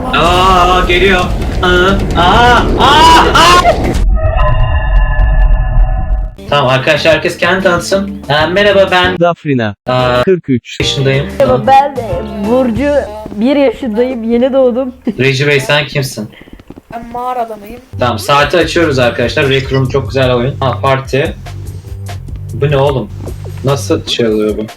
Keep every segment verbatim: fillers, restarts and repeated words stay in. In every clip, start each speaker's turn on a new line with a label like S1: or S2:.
S1: Aa geliyor. Aa, aa, aa, aa. Tamam arkadaşlar, herkes kendini tanıtsın. Ee, merhaba, ben
S2: Dafrina.
S1: Aa,
S2: kırk üç.
S1: yaşındayım.
S3: Merhaba, ben e, Burcu, bir yaşındayım, yeni doğdum.
S1: Reji Bey, sen kimsin?
S4: Ben mağara adamıyım.
S1: Tamam, saati açıyoruz arkadaşlar. Rec Room çok güzel oyun. Ha, parti. Bu ne oğlum? Nasıl şey oluyor bu?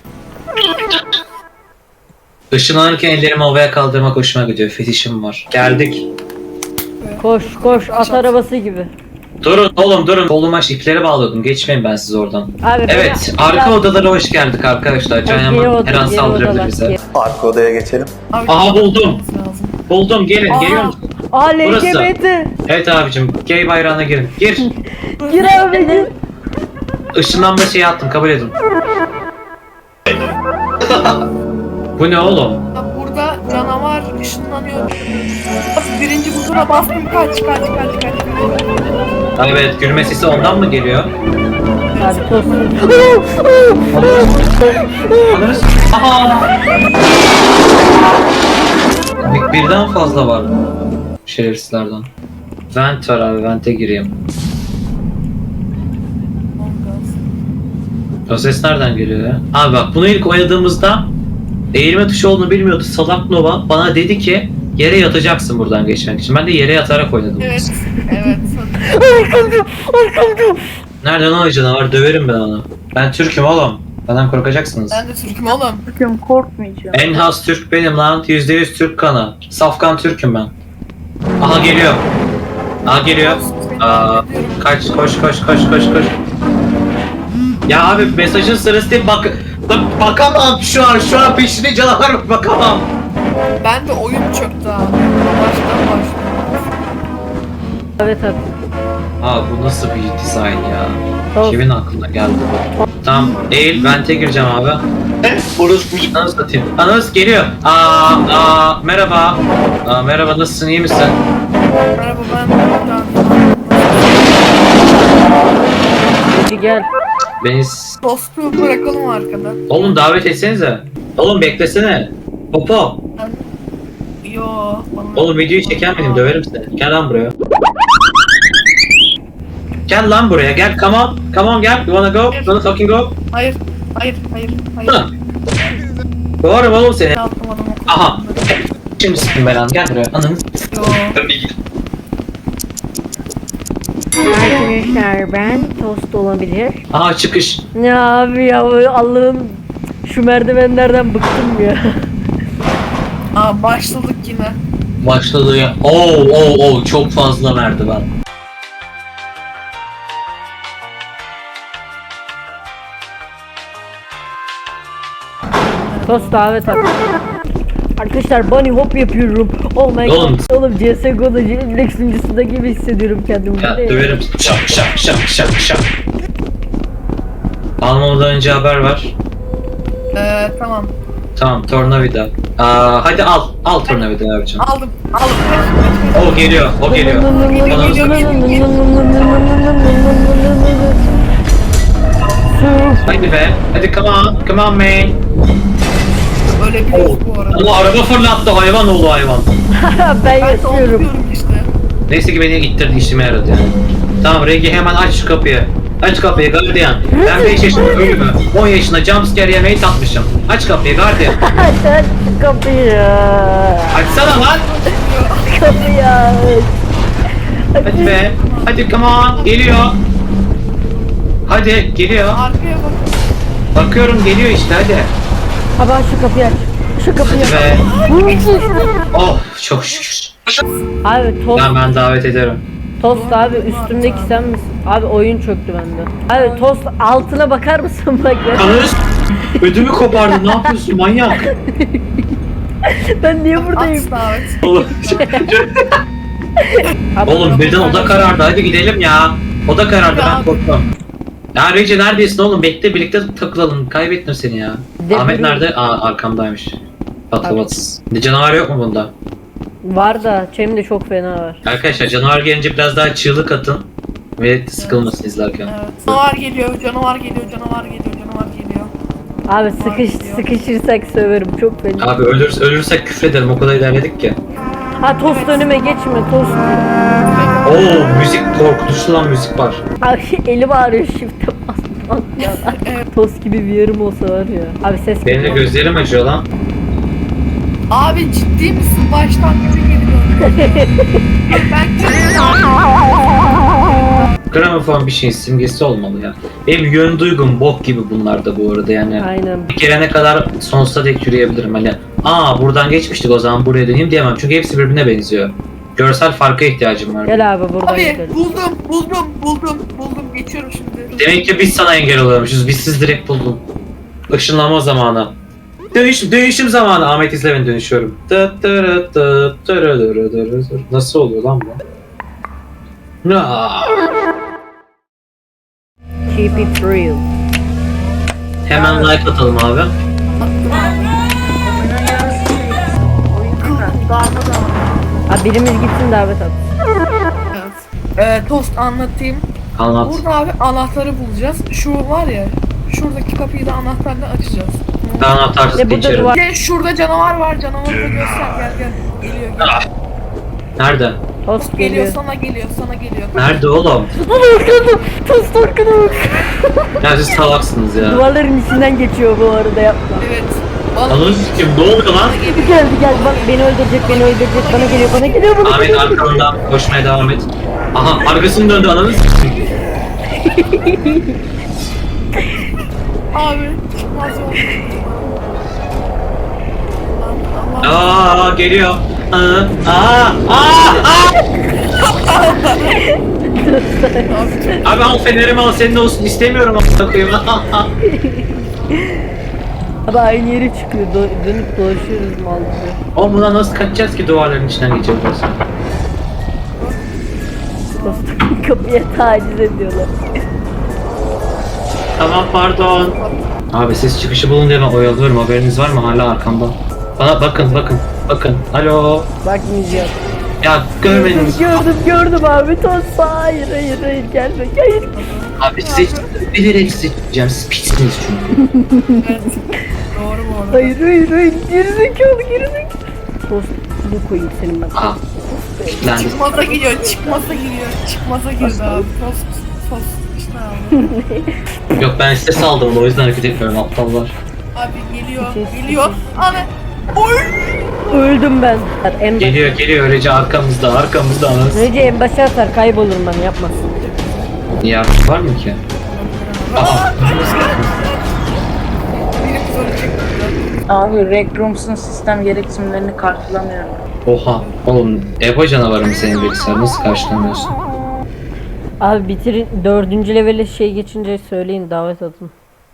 S1: Işınlanırken ellerimi havaya kaldırmak hoşuma gidiyor. Fetişim var. Geldik.
S3: Koş koş, at arabası gibi.
S1: Durun oğlum durun. Koluma ipleri bağladım. Geçmeyin ben siz oradan.
S3: Abi,
S1: Evet,
S3: ben-
S1: arka
S3: ben-
S1: odalara hoş geldik arkadaşlar. Can
S3: Geri
S1: Yaman
S3: oda-
S1: her an
S3: geri
S1: saldırabilir
S3: odalar,
S1: bize.
S3: geri-
S5: Arka odaya geçelim.
S4: Abi,
S1: Aha, buldum.
S4: lazım.
S1: Buldum, gelin.
S4: Aa.
S1: Geliyor musun?
S3: Aa,
S1: Burası.
S3: L G B T.
S1: Evet abicim, gay bayrağına girin. Gir.
S3: Gir abi, gir.
S1: Işınlanma şeyi attım, kabul edin. Bu ne oğlum?
S4: Bak, burada canavar ışınlanıyor. Birinci buzuna bastım, kaç kaç kaç kaç kaç.
S1: Evet, gülme sesi ondan mı geliyor?
S3: Abi tost.
S1: Anlarız. Aha! Bir- Birden fazla var şerefsizlerden. Vent var abi, vente gireyim. O ses nereden geliyor ya? Abi bak, bunu ilk oynadığımızda eğilme tuşu olduğunu bilmiyordu salak Nova. Bana dedi ki yere yatacaksın buradan geçmek için. Ben de yere yatarak oynadım.
S4: Evet, evet.
S1: Nereden o canavar, döverim ben onu. Ben Türk'üm oğlum. Benden korkacaksınız.
S4: Ben de Türk'üm oğlum.
S3: Türk'üm, korkmayacağım.
S1: En has Türk benim lan. yüzde yüz Türk kanı. Safkan Türk'üm ben. Aha geliyor. Aha geliyor. Aa, kaç, koş koş koş koş koş. Ya abi, mesajın sırası değil, bak, bak bakamam şu an, şu an peşine canavar bak, bakamam.
S4: Ben de oyun çöktü abi. Baştan baştan.
S3: Evet abi.
S1: Aa, bu nasıl bir dizayn ya?
S3: Tamam.
S1: Kimin aklına geldi bu? Tamam, eğil, vente gireceğim abi. Orası bu. Anası satayım. Anası geliyor. Aa, aa, merhaba. Aa, merhaba, nasılsın, iyi misin?
S4: Merhaba, ben buradan.
S3: Hadi gel.
S1: Beni...
S4: Tostu bırakalım arkada.
S1: Oğlum davet etsenize. Oğlum beklesene. Popo.
S4: Yo. Bana...
S1: Oğlum videoyu çeken benim, döverim seni. Gel lan buraya. Gel lan buraya, gel, come on. Come on, gel. You wanna go? You wanna fucking go?
S4: Hayır, hayır, hayır, hayır.
S1: Hı. Doğru oğlum seni.
S4: Atlamadım o kadar.
S1: Aha. Şimdi sıkın belanı, gel buraya. Ananı.
S4: Yo.
S3: Arkadaşlar, ben tost olabilir.
S1: Aha, çıkış.
S3: Ya abi ya, Allah'ım, şu merdivenlerden bıktım ya.
S4: Aa, başladık yine.
S1: Başladı ya. Oo oo oo, çok fazla merdiven.
S3: Tost davet at. Arkadaşlar, bunny hop yapıyorum. Oh my
S1: Oğlum.
S3: god. Oğlum, C S G O'da Lex sunucusunda gibi hissediyorum kendimi.
S1: Ya
S3: Bu ne
S1: döverim. Şak şak şak şak şak. Almamadan önce haber ver.
S4: Ee, tamam.
S1: Tamam, tornavida. Aa, hadi al. Al tornavida abicim.
S4: Aldım, aldım.
S1: O geliyor, o geliyor. Ananı satayım. Hadi be. Hadi come on. Come on man.
S4: Öyle bir
S1: Oo.
S4: yok bu arada.
S1: Allah, araba fırlattı, hayvan oğlu hayvan.
S3: Ben
S4: Ben de onu
S3: yaşıyorum.
S4: diyorum işte.
S1: Neyse ki beni ittirdi, işime yaradı yani. Tamam Regi, hemen aç şu kapıyı. Aç kapıyı gardiyan. Ben beş yaşında ölümü, on yaşında jumpscare yemeği tatmışım. Aç kapıyı gardiyan.
S3: Aç kapıyı.
S1: Açsana lan.
S3: Kapıyı aç.
S1: Hadi be. Hadi come on. Geliyor. Hadi geliyor.
S4: Arkaya bak.
S1: Bakıyorum, geliyor işte, hadi.
S3: Abi aç şu kapıyı aç. Şu kapıyı aç.
S1: Be. Oh, çok şükür.
S3: Abi tost,
S1: Tamam, ben davet ederim.
S3: tost abi, üstümdeki sen misin? Abi oyun çöktü bende. Abi tost, altına bakar mısın bak ya?
S1: Ananı s- ödümü kopardın, ne yapıyorsun manyak?
S3: Ben niye buradayım?
S4: At davet.
S1: Oğlum,
S3: Abi,
S1: oğlum birden oda karardı, hadi gidelim ya. Oda karardı, ben
S4: Ya.
S1: korktum. Ya Regi neredesin oğlum? Bekle, birlikte takılalım. Kaybettim seni ya.
S3: De-
S1: Ahmet nerede? Aa, arkamdaymış. Patavatsız. Canavar yok mu bunda?
S3: var da Cem de çok fena var.
S1: Arkadaşlar canavar gelince biraz daha çığlık atın. Ve sıkılmasın izlerken.
S4: Evet. Canavar geliyor, canavar geliyor, canavar geliyor, canavar geliyor.
S3: Abi sıkış sıkışırsak söverim çok fena.
S1: Abi ölür, ölürsek küfrederim, o kadar ilerledik ki.
S3: Ha tost önüme geçme tost.
S1: Oo müzik korkutucu lan müzik var.
S3: Abi elim ağrıyor shift'e basmam ya. Tost gibi bir yerim olsa var ya. Abi ses
S1: Benim de gözlerim acıyor lan.
S4: Abi ciddi misin? Baştan gibi geliyor. Ben
S1: Gramofon bir şeyin simgesi olmalı ya. Benim yön duygum bok gibi bunlar da bu arada yani.
S3: Aynen.
S1: Bir gelene kadar sonsuza dek yürüyebilirim hani. Aa buradan geçmiştik o zaman buraya döneyim diyemem çünkü hepsi birbirine benziyor. Görsel farka ihtiyacım var.
S3: Gel abi buradan
S4: Abi
S3: gidelim.
S4: buldum, buldum, buldum, buldum. Geçiyorum şimdi.
S1: Demek ki biz sana engel oluyormuşuz. Biz siz direkt buldun. Işınlanma zamanı. Dönüş, dönüşüm zamanı. Ahmet izle ben dönüşüyorum. Tı tırı tı tırı tırı tırı tırı. Nasıl oluyor lan bu? Aa.
S3: Keep it real.
S1: Hemen like atalım abi.
S3: Abi birimiz gitsin davet at.
S4: Evet. Ee, tost anlatayım.
S1: Anlat.
S4: Burada abi anahtarı bulacağız. Şu var ya, şuradaki kapıyı da anahtarla açacağız.
S1: Ben anahtarsız
S3: Ve burada
S1: geçerim.
S3: duvar-
S4: Bir de şurada canavar var. Canavarı da göster. Gel gel. Geliyor gel.
S1: Ah. Nerede?
S3: Tost
S4: Geliyor
S3: geliyor.
S4: sana geliyor sana geliyor.
S1: Nerede oğlum?
S3: Tost arkana bak.
S1: Ya siz salaksınız ya.
S3: Duvarların içinden geçiyor bu arada yapma.
S4: Evet. Bana
S1: Ananı sikeyim ne oluyor lan?
S3: Geldi geldi bak beni öldürecek beni öldürecek bana geliyor bana geliyor bana
S1: Ahmet
S3: geliyor.
S1: arkamdan koşmaya devam et. Aha arkasını döndü ananı sikeyim.
S4: abi çıkmaz oldu. Allah Allah.
S1: Aa geliyor. Aa aa aa aa. Abi al fenerimi al senin olsun istemiyorum amına koyayım.
S3: Abi aynı yere çıkıyor do- dönüp dolaşıyoruz mal gibi.
S1: Oğlum bundan nasıl kaçacağız ki duvarların içinden geçeceğiz?
S3: Tost kapıya taciz ediyorlar.
S1: Tamam pardon. Abi siz çıkışı bulun diye ben oyalıyorum haberiniz var mı hala arkamda? Bana bakın bakın bakın. Alo.
S3: Bakmayacağım.
S1: Ya
S3: Gördüm
S1: görmediniz.
S3: gördüm gördüm abi tost hayır hayır hayır gelme hayır.
S1: Abi size bilerek size diyeceğim siz pissiniz çünkü.
S4: Evet. Doğru bu arada.
S3: Hayır hayır hayır gerizekalı gerizekalı. Tost bu koyayım senin ben.
S1: Aha. Kilitlendi.
S4: Çıkmaza giriyor, çıkmaza giriyor, çıkmaza girdi abi. Tost, tost işte abi.
S1: Yok ben size saldım o yüzden hareket etmiyorum aptallar.
S4: Abi geliyor, geliyor. Ana. Oy.
S3: Öldüm ben. En
S1: Geliyor geliyor öylece arkamızda arkamızda anasını.
S3: Önce en başa atar kaybolurum ben yapmasın.
S1: Niye var mı ki? Aha.
S4: Biri kız ölecek burada.
S2: Abi Rec Rooms'un sistem gereksinimlerini karşılamıyorum.
S1: Oha. Oğlum Ebo canavarı mı senin bilgisayar nasıl karşılamıyorsun?
S3: Abi bitirin dördüncü levele şey geçince söyleyin davet atın.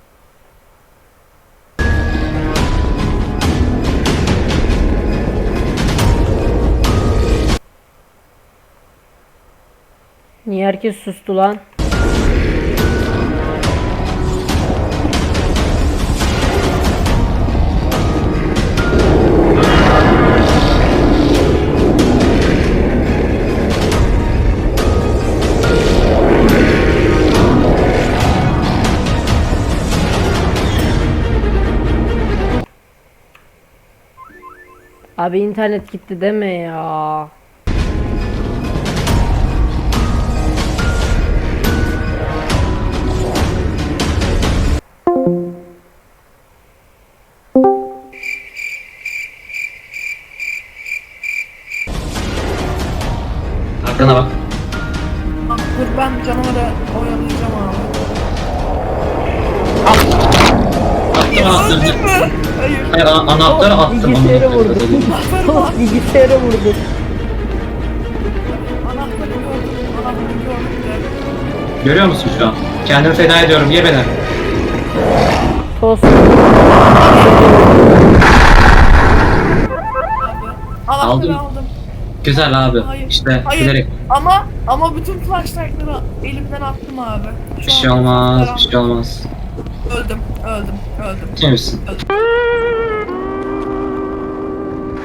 S3: Niye herkes sustu lan? Abi internet gitti deme ya.
S1: Arkana bak.
S4: Ah, dur ben canavarı oyalayacağım abi.
S1: Attım anahtarı.
S4: Öldün mü? Hayır.
S1: Hayır an- anahtarı attım.
S3: Bilgisayara
S1: anahtarı.
S3: vurdu. Tost bilgisayara vurdu.
S4: Anahtarı gördüm, anahtarı gördüm.
S1: Görüyor musun şu an? Kendimi feda ediyorum ye beni.
S3: Tost.
S4: Anahtarı
S1: Aldım.
S4: aldım.
S1: Güzel abi.
S4: Hayır.
S1: İşte
S4: Hayır.
S1: bilerek.
S4: Ama ama bütün flashlight'ları elimden attım abi. Şu
S1: Bir şey
S4: an
S1: olmaz,
S4: flashlight'ları
S1: bir şey olmaz.
S4: Öldüm, öldüm, öldüm.
S1: Kim misin?
S4: öldüm.